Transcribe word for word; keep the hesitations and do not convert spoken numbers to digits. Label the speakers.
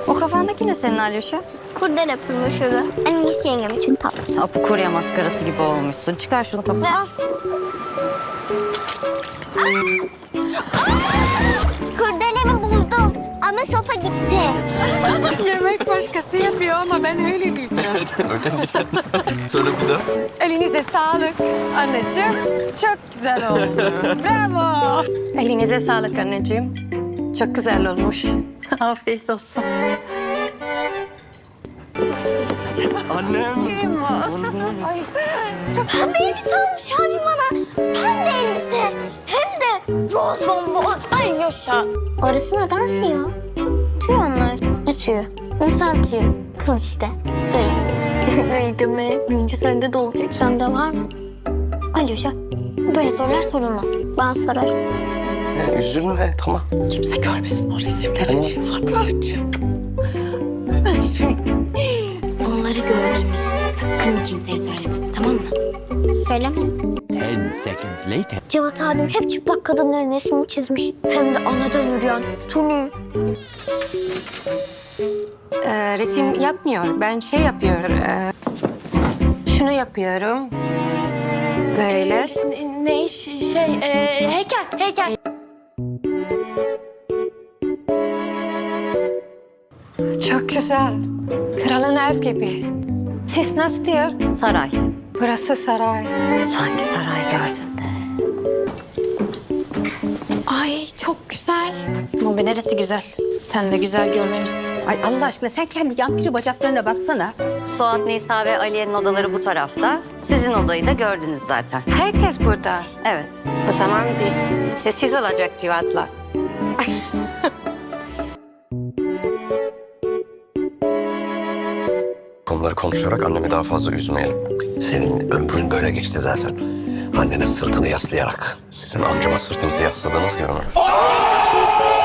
Speaker 1: O kafandaki ne senin Alyoşa?
Speaker 2: Kurdele pırmışırı. Annesi yengem için tatlı.
Speaker 1: Apu kurye maskarası gibi olmuşsun. Çıkar şunu kapat.
Speaker 2: Ve kurdelemi buldum ama sopa gitti.
Speaker 3: Yemek başkası yapıyor ama ben öyle diyeceğim.
Speaker 4: Öyle diyeceğim. Söyle bir daha.
Speaker 3: Elinize sağlık anneciğim. Çok güzel oldu. Bravo. Elinize sağlık anneciğim. Çok güzel olmuş.
Speaker 5: Afiyet olsun.
Speaker 4: Annem.
Speaker 3: Kim o? Ay, çok
Speaker 2: Pembe elbise almış abim bana. Pembe elbise. Hem de roz bombo. Ay yaşa. Orası neden suyu? Tüy onlar. Ne suyu? İnsan tüyü. Kıl işte. Öyle. Öyle deme. Birinci sende de olacak. Sende var mı? Ay yaşa. Böyle sorular sorulmaz. Ben sorarım.
Speaker 4: Ya, üzülme tamam.
Speaker 5: Kimse görmesin o resimleri.
Speaker 4: Tamam.
Speaker 5: Fatih'cığım.
Speaker 2: Bunları gördüğünüzü sakın kimseye söyleme. Tamam mı? Söyleme.
Speaker 6: Ten seconds later.
Speaker 2: Cevat abim hep çıplak kadınların resmini çizmiş. Hem de anadan yürüyen. Tunu.
Speaker 3: Ee, resim yapmıyor. Ben şey yapıyorum. e, şunu yapıyorum. Böyle.
Speaker 7: Ne iş şey e, heykel heykel.
Speaker 3: Çok güzel. Kralın ev gibi. Siz nasıl diyor?
Speaker 1: Saray.
Speaker 3: Burası saray.
Speaker 1: Sanki saray gördüm.
Speaker 7: Ay çok güzel. Ama neresi güzel? Sen de güzel görmemişsin.
Speaker 5: Ay Allah aşkına sen kendi yan piri bacaklarına baksana.
Speaker 1: Suat, Nisa ve Aliye'nin odaları bu tarafta. Sizin odayı da gördünüz zaten.
Speaker 3: Herkes burada.
Speaker 1: Evet.
Speaker 3: O zaman biz sessiz olacak Civat'la.
Speaker 4: Konuları konuşarak annemi daha fazla üzmeyelim.
Speaker 8: Senin ömrün böyle geçti zaten. Annene sırtını yaslayarak.
Speaker 4: Sizin amcama sırtınızı yasladığınız gibi mi?